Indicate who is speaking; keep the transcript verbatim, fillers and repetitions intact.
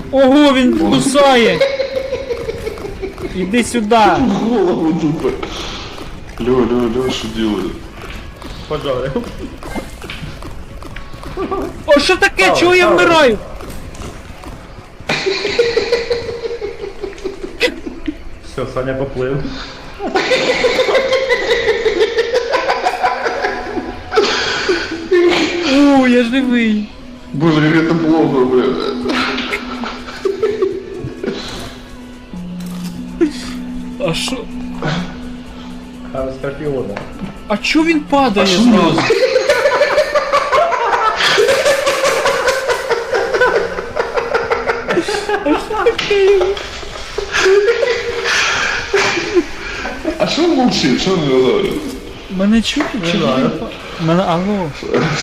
Speaker 1: Ого, він кусає! Іди сюди!
Speaker 2: Голову тупо. Лё, Лё, Лё, что делает?
Speaker 3: Пожарив.
Speaker 1: О, що таке?
Speaker 3: Ставай,
Speaker 1: Чого я
Speaker 3: ставай.
Speaker 1: вмираю?
Speaker 3: Все, Саня поплив.
Speaker 1: О, я живий!
Speaker 2: Боже, как это плохо, блядь.
Speaker 1: А що?
Speaker 3: А Скорпіона.
Speaker 1: А чого він падає
Speaker 2: що
Speaker 1: зразу?
Speaker 2: А что он молчит? Что он говорит?
Speaker 1: Мене чути чи
Speaker 3: знаю.
Speaker 1: ні? Мене алло.